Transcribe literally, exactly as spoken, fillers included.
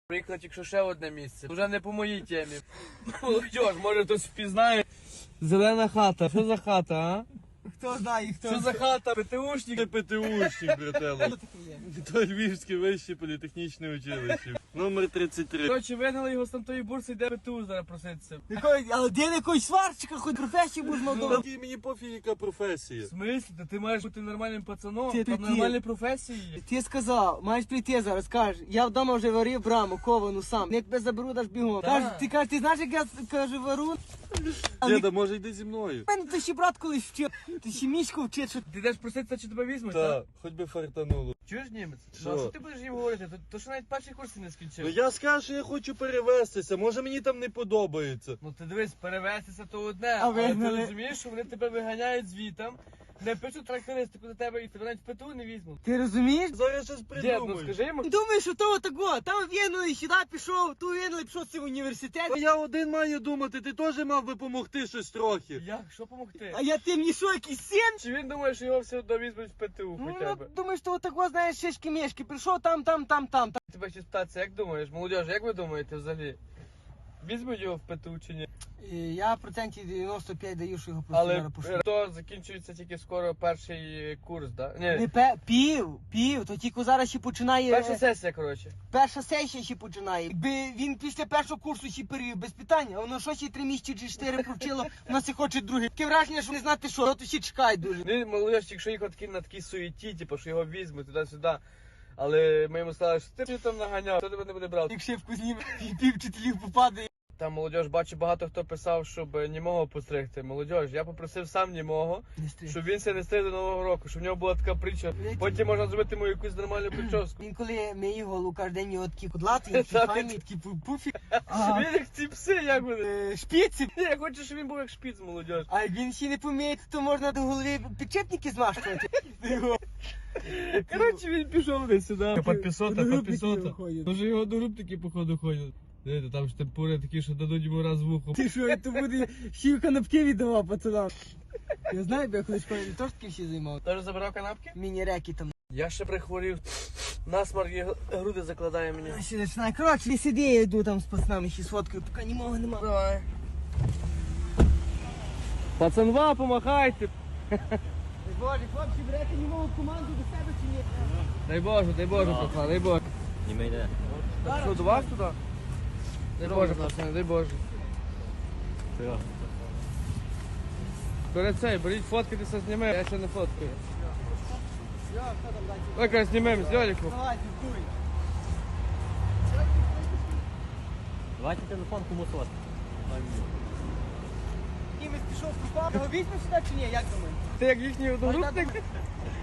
Приїхала тільки ще одне місце. Вже не по моїй темі. Молодь, може хтось впізнає. Зелена хата. Що за хата, а? Хто знає, хто. Що за хата? ПТУшник? ПТУшник, брателло. Хто таке є? То Львівське вище політехнічне училище. Номер тридцять три. Коротше, вигнали його з там тої бурси, йде ПТУ зараз проситися. Якої, але де якогось сварчика, хоч професію будеш молодого. Та мені пофіг, яка професія. В смислі? Та ти маєш бути нормальним пацаном, Ти там такий. нормальні професії є. Ти сказав, маєш прийти зараз, кажеш, я вдома вже варив браму, ковану сам. Я тебе заберу, даш бігом. Так. Кажеш, ти кажеш, ти знаєш, як я кажу, вару? Але Діда, може йди зі мною? мене то ще брат колись вчив, ти ще мішку вчить, що Ти йдеш проситися, чи тебе візьмуть, Та, так? хоч би фартануло. Чуєш, німець? Що? Ну, а що ти будеш їм говорити? То, то що навіть перший курс не Ну скінчив. я скажу, що я хочу перевестися, може мені там не подобається. Ну ти дивись, перевестися то одне, А але ти вигнали? розумієш, що вони тебе виганяють звітом, не пишуть характеристику до тебе і тебе навіть в ПТУ не візьмуть. ти розумієш? Зараз щось Дід, ну придумаю. скажи йому. Думаєш, що того такого, там в'єнули, сюди пішов, ту в'єнули, пішов в університет. Та я один маю думати, ти теж мав би допомогти щось трохи. Як? Що помогти? А я ти мені що, якийсь син? Чи він думає, що його все одно візьмуть в ПТУ Ну, хоча б? думаєш, що такого, знаєш, шишки-мішки, прийшов там, там, там, там. там. Тебе ще спитатися, як думаєш, молодіж, як ви думаєте взагалі? Візьмуть його в ПТУ чи ні? І я процентів дев'яносто п'ять даю, що його просто Але зараз пошлю. то закінчується тільки скоро перший курс, так? Да? Не Ні, пе, пів, пів, то тільки зараз ще починає. перша е, сесія, коротше. Перша сесія ще починає. Якби він після першого курсу ще перевів без питання, а воно що ще три місяці чи чотири провчило, воно ще хоче друге. Таке враження, що не знати що, то ще чекає дуже. Він молодіж, якщо їхав такий на такій суєті, типу, що його візьмуть туди-сюди. Але ми йому сказали, що ти там наганяв, хто тебе не буде брати. Як шибку зніме, пів, пів вчителів попадає. Там молодіж, бачу, багато хто писав, щоб німого постригти. Молодіж, я попросив сам німого, Не стрій. щоб він себе не стриг до Нового року, щоб в нього була така притча. Потім можна зробити йому якусь нормальну прическу. Він коли миє голову кожен день його такі кудлати, такі Так. файні, такі пу- пуфі. А, Він як ці пси, як вони. е, шпіці. Я хочу, щоб він був як шпіц, молодіж. А як він ще не поміє, то можна до голови підчепники змащувати. Його. Коротше, він пішов десь сюди. Підписота, Одногрупники підписота. його ходять. Може його одногрупники, походу, ходять. Дивіться, там штемпури такі, що дадуть йому раз в ухо. Ти що, то буде ще й канапки віддавав пацанам. Я знаю, бо я колись школі теж таки всі займав. Теж забирав канапки? Міні-реки там. Я ще прихворів. Насмарк і груди закладає мені. А ще починає. Коротше, не сиди, я йду там з пацанами ще сфоткаю, поки німого нема. Давай. Пацанва, помахайте. Боже, хлопці, берете німого команду до себе чи ні? Дай Боже, дай Боже, пацан, дай Боже. Не йде. Що, до вас туди? Дай Боже, пацан, дай Боже. Перед цей, беріть фоткатися, знімемо, я ще не фоткаю. Давай, знімемо з Льоліком. Давай, диктуй. Давайте телефон комусь от. Кимось пішов пропав. Його візьмеш сюди чи ні, як думаєш? Ти як їхній одногрупник?